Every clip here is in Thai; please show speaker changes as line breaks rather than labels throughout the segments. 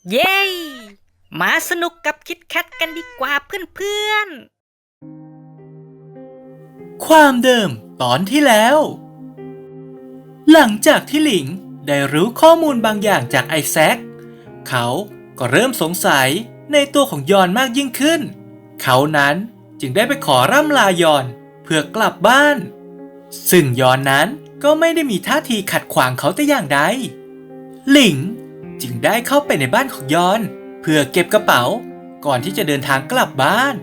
เย้มาสนุกกับคิดแคทกันดีกว่าเพื่อน
ความเดิมตอนที่แล้ว หลังจากที่หลิงได้รู้ข้อมูลบางอย่างจากไอแซคเขาก็เริ่มสงสัยในตัวของยอนมากยิ่งขึ้นเขานั้นจึงได้ไปขอร่ำลายอนเพื่อกลับบ้านซึ่งยอนนั้นก็ไม่ได้มีท่าทีขัดขวางเขาแต่อย่างใดหลิงจึงได้เข้าไปในบ้านของยอนเพื่อเก็บกระเป๋าก่อนที่จะเดินทางกลับบ้าน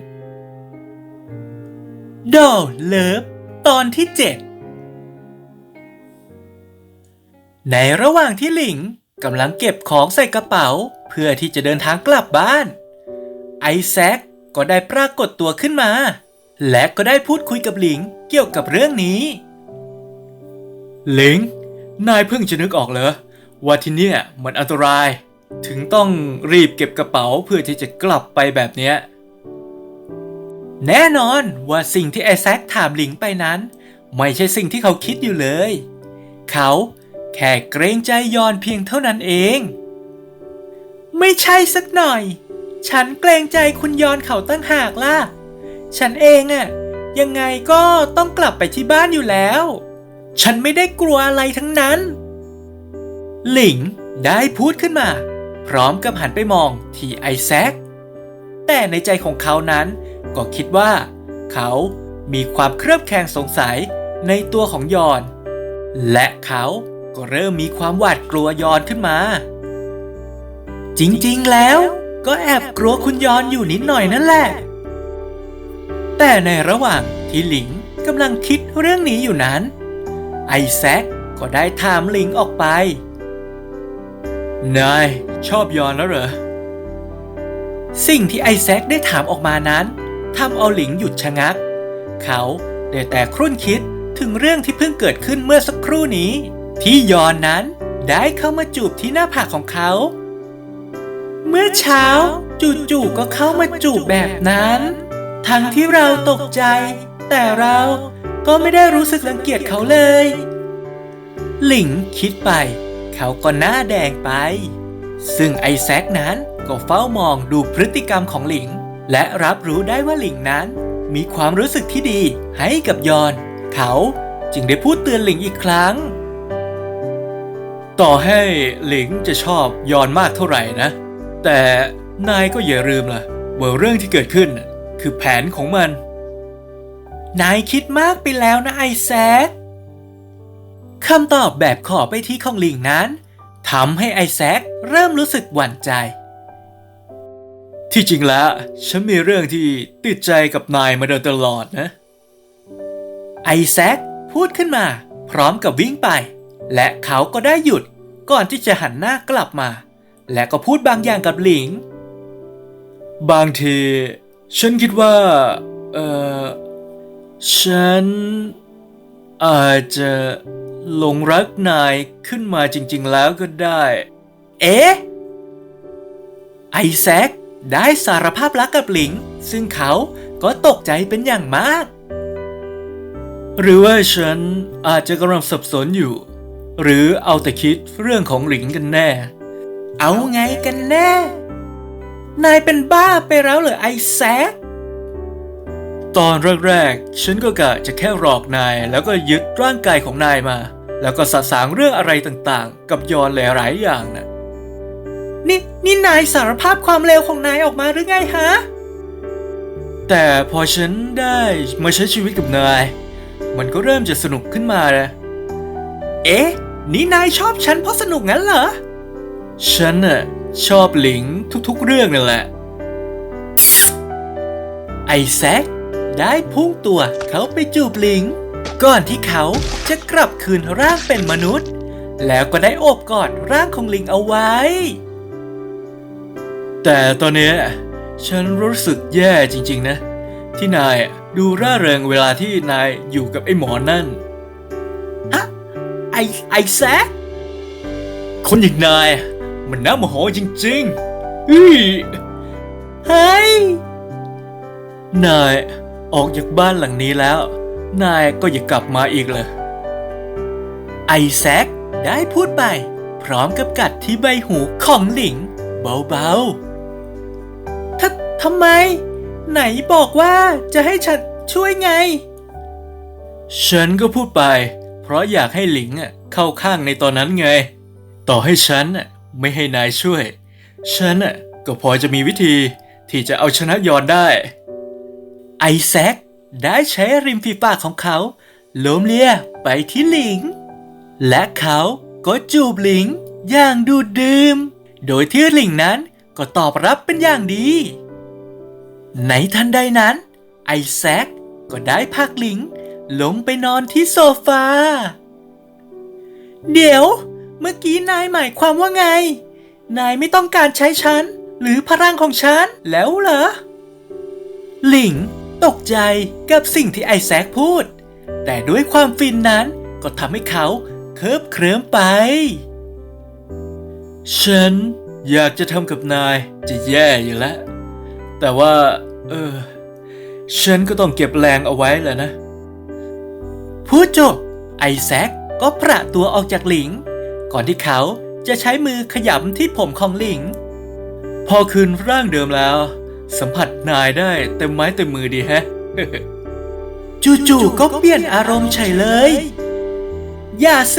ดอลเลิฟตอนที่ 7ในระหว่างที่หลิงกำลังเก็บของใส่กระเป๋าเพื่อที่จะเดินทางกลับบ้านไอแซคก็ได้ปรากฏตัวขึ้นมาและก็ได้พูดคุยกับหลิงเกี่ยวกับเรื่องนี้หลิงนายเพิ่งจะนึกออกเหรอว่าที่เนี่ยมันอันตรายถึงต้องรีบเก็บกระเป๋าเพื่อที่จะกลับไปแบบเนี้ยแน่นอนว่าสิ่งที่ไอแซคถามหลิงไปนั้นไม่ใช่สิ่งที่เขาคิดอยู่เลยเขาแค่เกรงใจยอนเพียงเท่านั้นเองไม่ใช่สักหน่อยฉันเกรงใจคุณยอนเขาตั้งหากล่ะฉันเองอะยังไงก็ต้องกลับไปที่บ้านอยู่แล้วฉันไม่ได้กลัวอะไรทั้งนั้นหลิงได้พูดขึ้นมาพร้อมกับหันไปมองที่ไอแซคแต่ในใจของเขานั้นก็คิดว่าเขามีความเครือบแคลงสงสัยในตัวของยอนและเขาก็เริ่มมีความหวาดกลัวยอนขึ้นมาจริงๆแล้วก็แอบกลัวคุณยอนอยู่นิดหน่อยนั่นแหละแต่ในระหว่างที่หลิงกำลังคิดเรื่องนี้อยู่นั้นไอแซคก็ได้ถามหลิงออกไปนายชอบยอนแล้วเหรอสิ่งที่ไอแซคได้ถามออกมานั้นทำเอาหลิงหยุดชะงักเขาได้แต่ครุ่นคิดถึงเรื่องที่เพิ่งเกิดขึ้นเมื่อสักครู่นี้ที่ยอนนั้นได้เข้ามาจูบที่หน้าผากของเขาเมื่อเช้าจู่ๆก็เข้ามาจูบแบบนั้นทั้งที่เราตกใจแต่เราก็ไม่ได้รู้สึกรังเกียจเขาเลยหลิงคิดไปเขาก็หน้าแดงไปซึ่งไอแซคนั้นก็เฝ้ามองดูพฤติกรรมของหลิงและรับรู้ได้ว่าหลิงนั้นมีความรู้สึกที่ดีให้กับยอนเขาจึงได้พูดเตือนหลิงอีกครั้งต่อให้หลิงจะชอบยอนมากเท่าไหร่นะแต่นายก็อย่าลืมล่ะว่าเรื่องที่เกิดขึ้นคือแผนของมันนายคิดมากไปแล้วนะไอแซคคำตอบแบบขอไปที่ของหลิงนั้นทำให้ไอแซคเริ่มรู้สึกหวั่นใจที่จริงแล้วฉันมีเรื่องที่ติดใจกับนายมาโดยตลอดนะไอแซคพูดขึ้นมาพร้อมกับวิ่งไปและเขาก็ได้หยุดก่อนที่จะหันหน้ากลับมาและก็พูดบางอย่างกับหลิงบางทีฉันคิดว่าฉันอาจจะหลงรักนายขึ้นมาจริงๆแล้วก็ได้เอ๊ะไอแซคได้สารภาพรักกับหลิงซึ่งเขาก็ตกใจเป็นอย่างมากหรือว่าฉันอาจจะกำลังสับสนอยู่หรือเอาแต่คิดเรื่องของหลิงกันแน่เอาไงกันแน่นายเป็นบ้าไปแล้วเหรอไอแซคตอนแรกๆฉันก็กะจะแค่หลอกนายแล้วก็ยึดร่างกายของนายมาแล้วก็สะสางเรื่องอะไรต่างๆกับยอนหลายๆอย่างน่ะนี่นายสารภาพความเลวของนายออกมาหรือไงฮะแต่พอฉันได้มาใช้ชีวิตกับนายมันก็เริ่มจะสนุกขึ้นมานะเอ๊ะนี่นายชอบฉันเพราะสนุกงั้นเหรอฉันน่ะชอบหลิงทุกๆเรื่องนั่นแหละไอแซคได้พุ่งตัวเขาไปจูบหลิงก่อนที่เขาจะกลับคืนร่างเป็นมนุษย์แล้วก็ได้โอบกอดร่างของหลิงเอาไว้แต่ตอนนี้ฉันรู้สึกแย่จริงๆนะที่นายดูร่าเริงเวลาที่นายอยู่กับไอ้หมอนั่นฮะไอแซคคนอย่างนายมันน่าโมโหจริงๆเฮ้ยนายออกจากบ้านหลังนี้แล้วนายก็อย่ากลับมาอีกเลยไอแซคได้พูดไปพร้อมกับกัดที่ใบหูของหลิงเบาๆทำไม ไหนบอกว่าจะให้ฉันช่วยไง ฉันก็พูดไป เพราะอยากให้หลิงเข้าข้างในตอนนั้นไง ต่อให้ฉันไม่ให้นายช่วย ฉันก็พอจะมีวิธีที่จะเอาชนะยอนได้ ไอแซคได้ใช้ริมฝีปากของเขาโล้มเลียไปที่หลิง และเขาก็จูบหลิงอย่างดูดดื่ม โดยที่หลิงนั้นก็ตอบรับเป็นอย่างดี ในทันใดนั้น ไอแซคก็ได้พาหลิงลงไปนอนที่โซฟา เดี๋ยวเมื่อกี้นายหมายความว่าไง นายไม่ต้องการใช้ฉันหรือพลังของฉันแล้วเหรอ หลิงตกใจกับสิ่งที่ไอแซคพูด แต่ด้วยความฟินนั้นก็ทำให้เขาเคิบเคลิ้มไป ฉันอยากจะทำกับนายจะแย่อยู่แล้ว แต่ว่าฉันก็ต้องเก็บแรงเอาไว้แหละนะ พูดจบไอแซคก็ประตัวออกจากหลิง ก่อนที่เขาจะใช้มือขยำที่ผมของหลิง พอคืนร่างเดิมแล้ว สัมผัสนายได้เต็มไม้เต็มมือดีแฮะ จู่ๆก็เปลี่ยนอารมณ์เฉยเลย อย่าสิ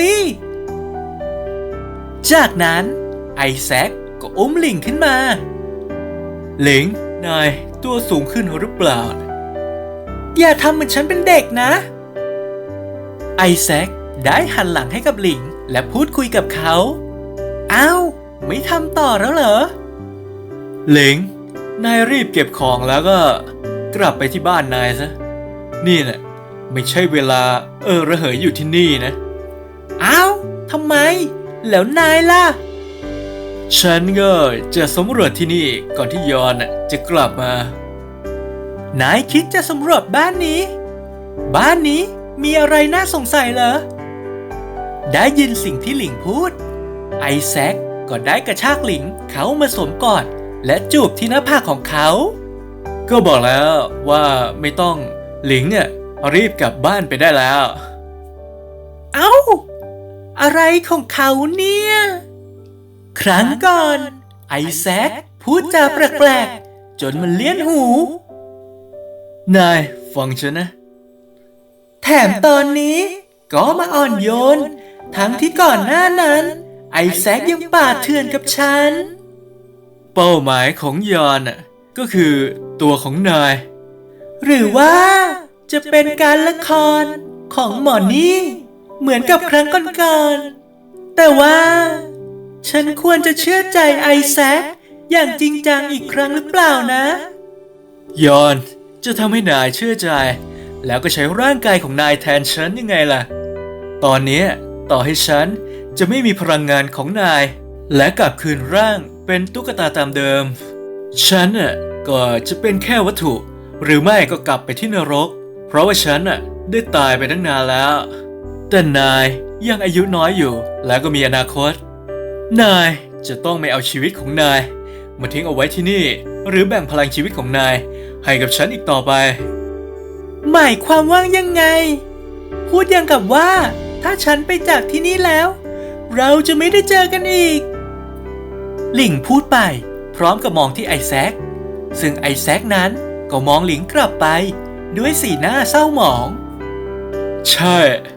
จากนั้นไอแซคก็อุ้มหลิงขึ้นมา หลิงนายตัวสูงขึ้นหรือเปล่า อย่าทำเหมือนฉันเป็นเด็กนะ ไอแซคได้หันหลังให้กับหลิงและพูดคุยกับเขาอ้าวไม่ทำต่อแล้วเหรอ หลิงนายรีบเก็บของแล้วก็กลับไปที่บ้านนายซะ นี่แหละไม่ใช่เวลาระเหยอยู่ที่นี่นะ อ้าวทำไม แล้วนายล่ะ ฉันก็จะสำรวจที่นี่ก่อนที่ยอนจะกลับมา นายคิดจะสำรวจบ้านนี้ บ้านนี้มีอะไรน่าสงสัยเหรอ ได้ยินสิ่งที่หลิงพูด ไอแซคก็ได้กระชากหลิงเขามาสวมกอดและจูบที่หน้าผากของเขา ก็บอกแล้วว่าไม่ต้องหลิงรีบกลับบ้านไปได้แล้ว เอ้า อะไรของเขาเนี่ย ครั้งก่อนไอแซคพูดจาแปลกๆจนมันเลี้ยนหู นายฟังฉันนะ แถมตอนนี้ก็มาอ่อนโยน ทั้งที่ก่อนหน้านั้นไอแซคยังป่าเถื่อนกับฉัน เป้าหมายของยอนก็คือตัวของนาย หรือว่าจะเป็นการละครของหมอนี่เหมือนกับครั้งก่อนๆแต่ว่าฉันควรจะเชื่อใจไอแซคอย่างจริงจังอีกครั้งหรือเปล่านะ ยอนจะทำให้นายเชื่อใจแล้วก็ใช้ร่างกายของนายแทนฉันยังไงล่ะ ตอนนี้ต่อให้ฉันจะไม่มีพลังงานของนายและกลับคืนร่างเป็นตุ๊กตาตามเดิมฉันก็จะเป็นแค่วัตถุหรือไม่ก็กลับไปที่นรกเพราะว่าฉันได้ตายไปตั้งนานแล้วแต่นายยังอายุน้อยอยู่และก็มีอนาคตนายจะต้องไม่เอาชีวิตของนายมาทิ้งเอาไว้ที่นี่หรือแบ่งพลังชีวิตของนายให้กับฉันอีกต่อไปหมายความว่ายังไงพูดอย่างกับว่าถ้าฉันไปจากที่นี่แล้วเราจะไม่ได้เจอกันอีกหลิงพูดไปพร้อมกับมองที่ไอแซคซึ่งไอแซคนั้นก็มองหลิงกลับไปด้วยสีหน้าเศร้าหมองใช่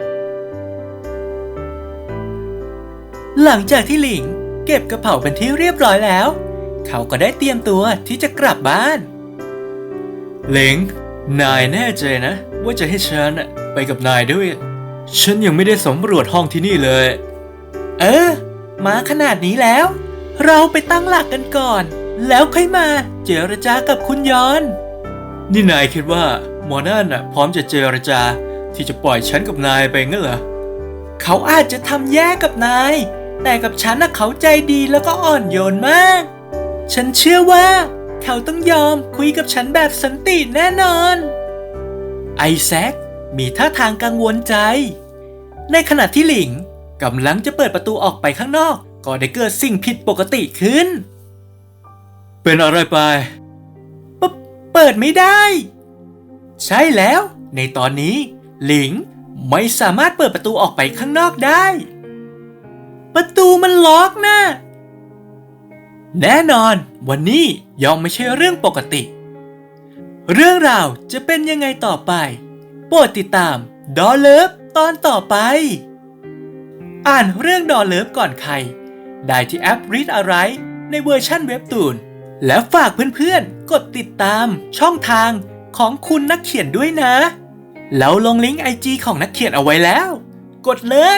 หลังจากที่หลิงเก็บกระเป๋าเป็นที่เรียบร้อยแล้วเขาก็ได้เตรียมตัวที่จะกลับบ้านหลิงนายแน่ใจนะว่าจะให้ฉันไปกับนายด้วยฉันยังไม่ได้สำรวจห้องที่นี่เลยมาขนาดนี้แล้วเราไปตั้งหลักกันก่อนแล้วค่อยมาเจรจากับคุณยอนนี่นายคิดว่าหมอนั่นพร้อมจะเจรจาที่จะปล่อยฉันกับนายไปงั้นเหรอเขาอาจจะทำแย่กับนายแต่กับฉันเขาใจดีแล้วก็อ่อนโยนมากฉันเชื่อว่าเขาต้องยอมคุยกับฉันแบบสันติแน่นอนไอแซคมีท่าทางกังวลใจในขณะที่หลิงกำลังจะเปิดประตูออกไปข้างนอกก็ได้เกิดสิ่งผิดปกติขึ้นเป็นอะไรไปเปิดไม่ได้ใช่แล้วในตอนนี้หลิงไม่สามารถเปิดประตูออกไปข้างนอกได้ประตูมันล็อกนะแน่นอนวันนี้ย่อมไม่ใช่เรื่องปกติ เรื่องราวจะเป็นยังไงต่อไปโปรดติดตามดอเลิฟตอนต่อไป อ่านเรื่องดอเลิฟก่อนใครได้ที่แอป Read Alright ในเวอร์ชันเว็บตูนและฝากเพื่อนๆกดติดตามช่องทางของคุณนักเขียนด้วยนะแล้วลงลิงก์ IG ของนักเขียนเอาไว้แล้ว กดเลย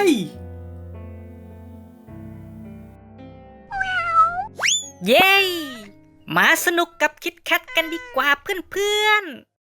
เย้มาสนุกกับคิดแคทกันดีกว่าเพื่อนๆ